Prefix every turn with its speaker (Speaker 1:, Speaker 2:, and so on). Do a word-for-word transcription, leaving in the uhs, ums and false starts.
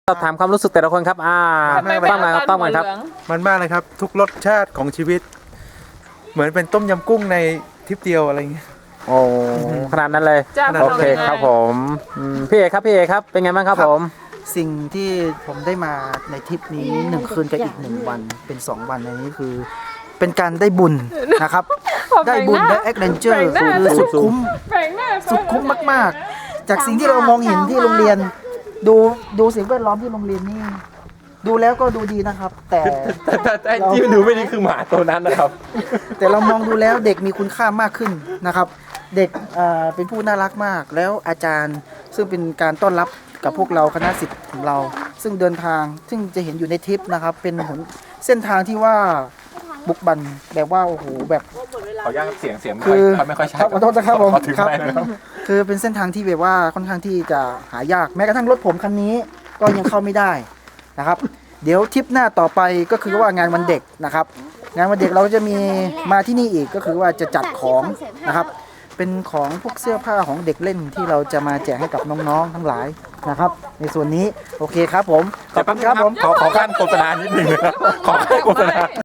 Speaker 1: สอบถามความรู้สึกแต่ละคนครับอ่า
Speaker 2: ไม่ไม่
Speaker 1: ต้อมกันครับต้อมกันครับ
Speaker 2: มันมากเลยครับ ทุกรสชาติของชีวิต เหมือนเป็นต้มยำกุ้งในทริปเดียวอะไรเงี้ย
Speaker 1: โอ้ขนาดนั้นเลย
Speaker 3: จ้า
Speaker 1: โอเคครับผมอืมพี่เอกครับพี่เอกครับเป็นไงบ้างครับ
Speaker 4: ครับ
Speaker 1: ผม
Speaker 4: สิ่งที่ผมได้มาในทริปนี้หนึ่งคืนกับอีกหนึ่งวันเป็นสองวันอันนี้คือ เป็นการได้บุญนะครับ ได้บุญได้แอคเลนเจอร์คือสุดคุ้ม
Speaker 3: แบ่งหน้า
Speaker 4: สุดคุ้มมากๆ จากสิ่งที่เรามองเห็นที่โรงเรียน ดูดูสิ่งแวดล้อมที่โรงเรียนนี่ดูแล้วก็ดูดีนะครับ แต่
Speaker 1: แต่แต่แต่ที่ดูไม่ดีคือหมาตัวนั้นนะครับ
Speaker 4: แต่เรามองดูแล้วเด็กมีคุณค่ามากขึ้นนะครับ เด็กเอ่อเป็นผู้น่ารักมากแล้วอาจารย์ซึ่งเป็นการต้อนรับกับพวกเราคณะศิษย์ของเรา ซึ่งเดินทางซึ่งจะเห็นอยู่ในทริปนะครับ เป็นหนเส้นทางที่ว่าบุกบันแบบว่าโอ้โหแบบ
Speaker 1: ขออนุญาตเสียงเสียง
Speaker 4: คือ
Speaker 1: ไม่ค่อยชัด
Speaker 4: ครับขอโทษนะครับผม
Speaker 1: ขอถือ
Speaker 4: ครับ
Speaker 1: ไมค์นะครับ
Speaker 4: คือเป็นเส้นทางที่แบบว่าค่อนข้างที่จะหายากแม้กระทั่งรถผมคันนี้ก็ยังเข้าไม่ได้นะครับ เดี๋ยวทริปหน้าต่อไปก็คือว่างานวันเด็กนะครับ งานวันเด็กเราจะมีมาที่นี่อีกก็คือว่าจะจัดของนะครับ เป็นของพวกเสื้อผ้าของเด็กเล่นที่เราจะมาแจกให้กับน้องๆทั้งหลายนะครับ ในส่วนนี้โอเคครับผมขอบคุณครับผม
Speaker 1: ขอขอขั้นโฆษณานิดหนึ่งนะครับขอขั้นโฆษณา